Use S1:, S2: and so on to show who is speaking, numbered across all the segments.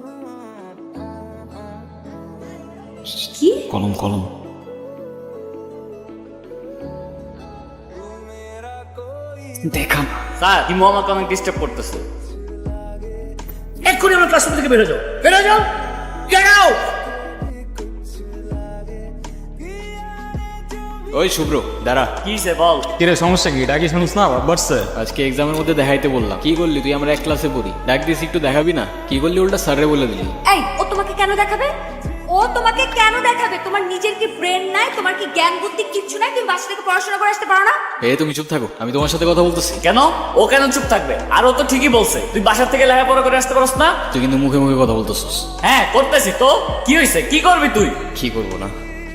S1: কি
S2: কলম কলম। দেখা
S3: স্যার হিমু আমাকে অনেক ডিস্টার্ব করতেছে।
S4: এক্ষুনি আমার ক্লাসরুম থেকে বেরো যাও, বেরো যাও, গেট আউট।
S2: ওই শুভ্র দাঁড়া।
S3: কি সে বল।
S5: কিরে সমস্যা কি? ডাকি শুনিস না বাড়ছে?
S2: আজকে এক্সামের মধ্যে দেখাইতে বললাম, কি করলি তুই? আমরা এক ক্লাসে পড়ি, ডাক দিস একটু দেখাবি না? কি করলি উল্টা স্যারে বলে দিলি।
S1: এই ও তোমাকে কেন দেখাবে? ও তোমাকে কেন দেখাবে? তোমার নিজের কি ব্রেন নাই? তোমার কি জ্ঞান বুদ্ধি কিচ্ছু নাই? তুমি বাসা থেকে পড়াশোনা করে আসতে পারো না?
S2: তুমি চুপ থাকো, আমি তোমার সাথে কথা বলতেছি।
S3: কেন ও কেন চুপ থাকবে? আর ও তো ঠিকই বলছে, তুই বাসার থেকে লেখাপড়া করে আসতে পারস না।
S2: তুই কিন্তু মুখে মুখে কথা বলতেছিস।
S3: হ্যাঁ করতেছি তো, কি হয়েছে? কি করবি তুই?
S2: কি করবো না?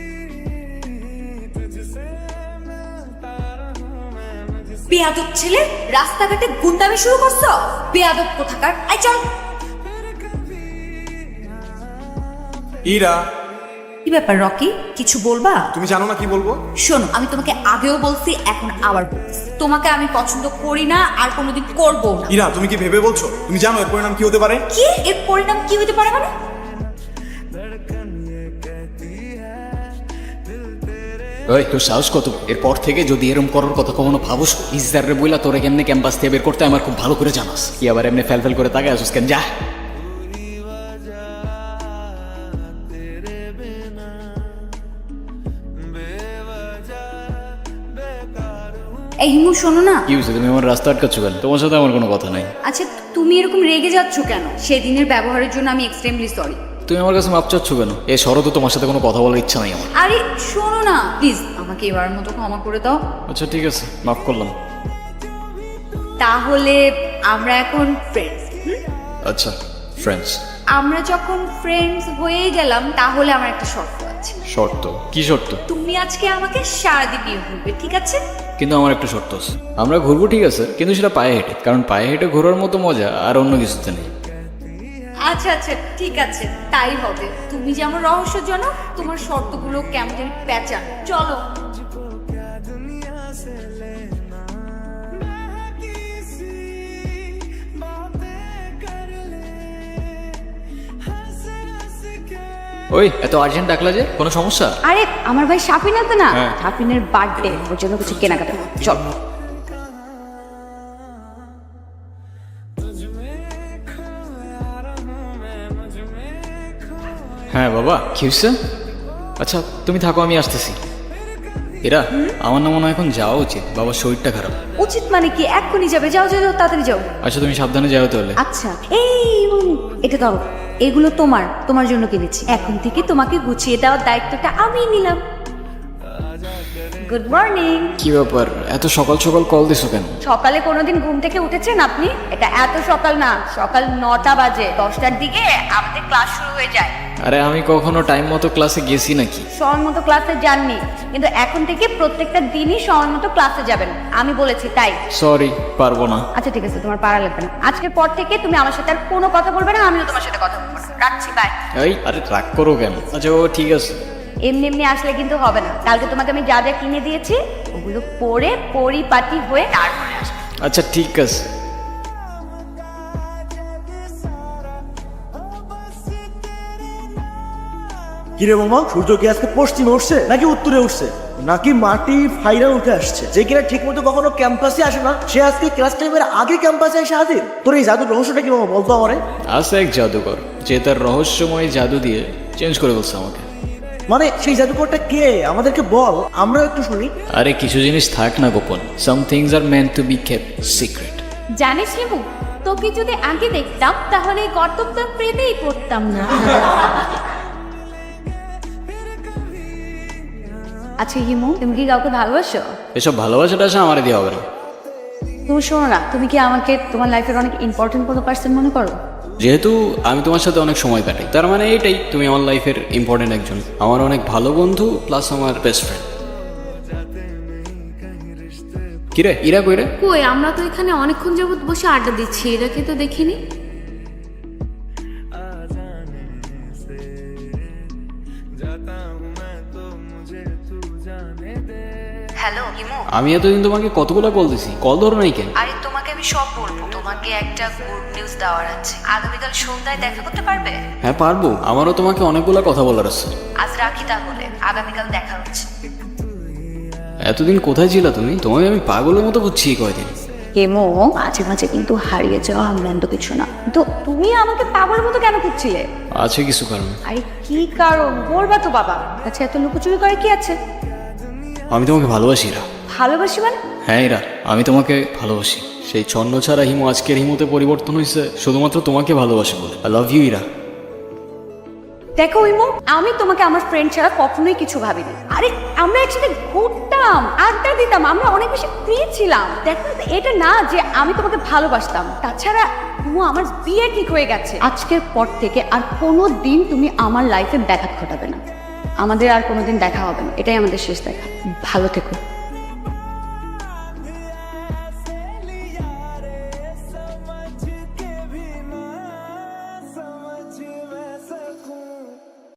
S1: বেয়াদব ছেলে, রাস্তাঘাটে গুন্ডামি শুরু করছো? বেয়াদব কোথাকার। আই চল।
S6: ইরা,
S1: কি ব্যাপার রকি, কিছু বলবা?
S6: তুমি জানো না কি বলবো?
S1: শোনো, আমি তোমাকে আগেও বলছি, এখন আবার বলছি, তোমাকে আমি পছন্দ করি না আর কোনোদিন করবো না।
S6: ইরা, তুমি কি ভেবে বলছো? তুমি জানো এর পরিণাম কি হতে পারে?
S1: কি এর পরিণাম কি হতে পারে মানে?
S2: ওই তোর সাহস কত? এরপর থেকে যদি এরম করার কথা কখনো ভাবস, ইজারে বইলা তোরে কেমনে ক্যাম্পাস থেকে বের করতে আমার খুব ভালো করে জানাস। কি আবার এমনি ফেল ফেল করে তাকায় আসুস কেন? যা।
S1: এই হিমু শোনো না।
S2: কি হয়েছে? তুমি আমার রাস্তা আটকাচ্ছ কেন? তোমার সাথে আমার কোনো কথা নাই।
S1: আচ্ছা তুমি এরকম রেগে যাচ্ছ কেন? সেদিনের ব্যবহারের জন্য আমি এক্সট্রিমলি সরি।
S2: তুমি আমার কাছে মাপ চাচ্ছ কেন? এ শরৎ, তোমার সাথে কোনো কথা বলার ইচ্ছা নাই আমার।
S1: আরে শোনো না প্লিজ, আমাকে এবারের মতো ক্ষমা করে দাও।
S2: আচ্ছা ঠিক আছে, মাফ করলাম।
S1: তাহলে আমরা এখন ফ্রেন্ডস।
S2: আচ্ছা ফ্রেন্ডস।
S1: আমরা যখন ফ্রেন্ডস হয়ে গেলাম, তাহলে আমার একটা শর্ত আছে।
S2: শর্ত? কি শর্ত?
S1: তুমি আজকে আমাকে সারাদিন বিয়ে করবে, ঠিক আছে?
S2: কিন্তু আমার একটা শর্ত আছে। আমরা ঘুরবো ঠিক আছে, কিন্তু সেটা পায়ে হেঁটে, কারণ পায়ে হেঁটে ঘোরার মতো মজা আর অন্য কিছুতে নেই।
S1: আচ্ছা আচ্ছা ঠিক আছে, তাই হবে। তুমি যেমন রহস্যজনক, তোমার শর্তগুলো কেমন যেন প্যাঁচা। চলো।
S2: ওই এত আর্জেন্ট ডাকলা যে? কোনো সমস্যা?
S1: আরে আমার ভাই সাফিন আছে না,
S2: হ্যাঁ।
S1: সাফিনের বার্থডে, ওর জন্য কিছু কেনাকাটা করতে। চল।
S2: হ্যাঁ বাবা, কি হয়েছে? আচ্ছা তুমি থাকো, আমি আসতেছি। এরা আমার না মনে হয় এখন যাওয়া উচিত, বাবার শরীরটা খারাপ।
S1: উচিত মানে কি? এক্ষুনি যাবে? যাও যাও যাও, তাড়াতাড়ি যাও।
S2: আচ্ছা তুমি সাবধানে যাও তাহলে।
S1: আচ্ছা এই এটা ধরো, এগুলো তোমার জন্য কিনেছি। এখন থেকে তোমাকে গুছিয়ে দেওয়ার দায়িত্বটা আমি নিলাম। Good morning.
S2: কি ব্যাপার, এত সকাল সকাল কল দিছো কেন?
S1: সকালে কোনোদিন ঘুম থেকে উঠেছেন আপনি? এটা এত সকাল না, সকাল 9টা বাজে। 10টার দিকে আমাদের ক্লাস শুরু হয়ে যায়।
S2: আরে আমি কখনো টাইম মতো ক্লাসে গেছি নাকি?
S1: সময় মতো ক্লাসে যাননি, কিন্তু এখন থেকে প্রত্যেকটা দিনই সময় মতো ক্লাসে যাবেন, আমি বলেছি তাই।
S2: সরি, পারবো না।
S1: আচ্ছা ঠিক আছে, তোমার পারা লাগবে না। আজকের পর থেকে তুমি আমার সাথে আর কোনো কথা বলবে না, আমিও তোমার সাথে কথা বলবো না। রাখছি, বাই।
S2: এই আরে রাগ করো কেন? আচ্ছা ও ঠিক আছে।
S1: এমনি এমনি আসলে কিন্তু হবে না। কালকে তোমাকে আমি যা যা কিনে দিয়েছি, ওগুলো পরে পরিপাটি হয়ে তারপরে আসবে।
S2: আচ্ছা ঠিক আছে।
S4: কিরে মামা, সূর্য কি আজকে পশ্চিমে উঠছে নাকি উত্তরে উঠছে, নাকি মাটি ফাইরা উঠে আসছে? যে কিনা ঠিক মতো কখনো ক্যাম্পাসে আসে না, সে আজকে ক্লাস টাইমের আগে ক্যাম্পাসে এসে হাজির। তোর এই জাদুর রহস্যটা কি মামা, বলতো আমারে?
S2: আছে এক জাদুকর, যে তার রহস্যময় জাদু দিয়ে চেঞ্জ করে বলছে আমাকে।
S4: মানে সেই জাদুকরটা কে? আমাদেরকে বল, আমরাও একটু শুনি।
S2: আরে কিছু জিনিস থাক না গোপন। Some things are meant to be kept secret.
S7: জানিস হিমু, তোকে যদি আগে দেখতাম তাহলে এই কর্তব্য প্রেমেই পড়তাম না।
S1: আচ্ছা হিমু, তুমি কি কাউকে ভালোবাসো?
S2: এসব ভালোবাসাটা আসে আমার দিয়ে হবে না।
S1: তুমি শোনো না, তুমি কি আমাকে তোমার লাইফের অনেক ইম্পর্টেন্ট কোনো পার্সন মনে করো?
S2: যেহেতু আমি তোমার সাথে অনেক সময় কাটাই, তার মানে এইটাই তুমি আমার লাইফের ইম্পর্টেন্ট একজন, আমার অনেক ভালো বন্ধু প্লাস আমার বেস্ট ফ্রেন্ড। কিরে ইরা কই রে?
S7: কই, আমরা তো এখানে অনেকক্ষণ যাবত বসে আড্ডা দিচ্ছি, এটাকে তো দেখিনি।
S1: হ্যালো হিমু।
S2: আমি এতদিন তোমাকে কতগুলো কল দিছি, কল ধরো নাই কেন?
S1: আরে তোমাকে আমি সব বলবো। তোমাকে একটা গুড নিউজ দেওয়ার আছে। আগামীকাল সন্ধ্যায় দেখা করতে পারবে?
S2: হ্যাঁ পারবো, আমারও তোমাকে অনেকগুলো কথা বলার আছে।
S1: আজ রাখি তাহলে, আগামীকাল দেখা হচ্ছে।
S2: এতদিন কোথায় ছিলা তুমি? তোমাকে আমি পাগলের মতো বুঝছি এই কয়দিন।
S1: হেমো, মাঝে মাঝে কিন্তু হারিয়ে যাওয়া ম্যান্ড কিছু না। তো তুমি আমাকে পাগলের মতো কেন খুঁজছিলে?
S2: আছে কিছু কারণ।
S1: আরে কি কারণ বলবা তো বাবা। আচ্ছা এত লুকোচুরি করে কি আছে?
S2: আমি তোমাকে ভালোবাসি ইরা।
S1: ভালোবাসি মানে?
S2: হ্যাঁ ইরা, আমি তোমাকে ভালোবাসি। সেই ছন্ন ছাড়া হিমু আজকের হিমুতে পরিবর্তন হয়েছে শুধুমাত্র তোমাকে ভালোবাসে বলে। I love you Ira.
S1: দেখো ইমো, আমি তোমাকে আমার ফ্রেন্ড ছাড়া কখনোই কিছু ভাবিনি। আরে আমরা একসাথে ঘুরতাম, আড্ডা দিতাম, আমরা অনেক বেশি ফ্রি ছিলাম। দেখো এটা না যে আমি তোমাকে ভালোবাসতাম। তাছাড়া ইমো, আমার বিয়ে ঠিক হয়ে গেছে। আজকের পর থেকে আর কোনো দিন তুমি আমার লাইফে ব্যাঘাত ঘটাবে না। আমাদের আর কোনোদিন দেখা হবে না, এটাই আমাদের শেষ দেখা। ভালো থেকো।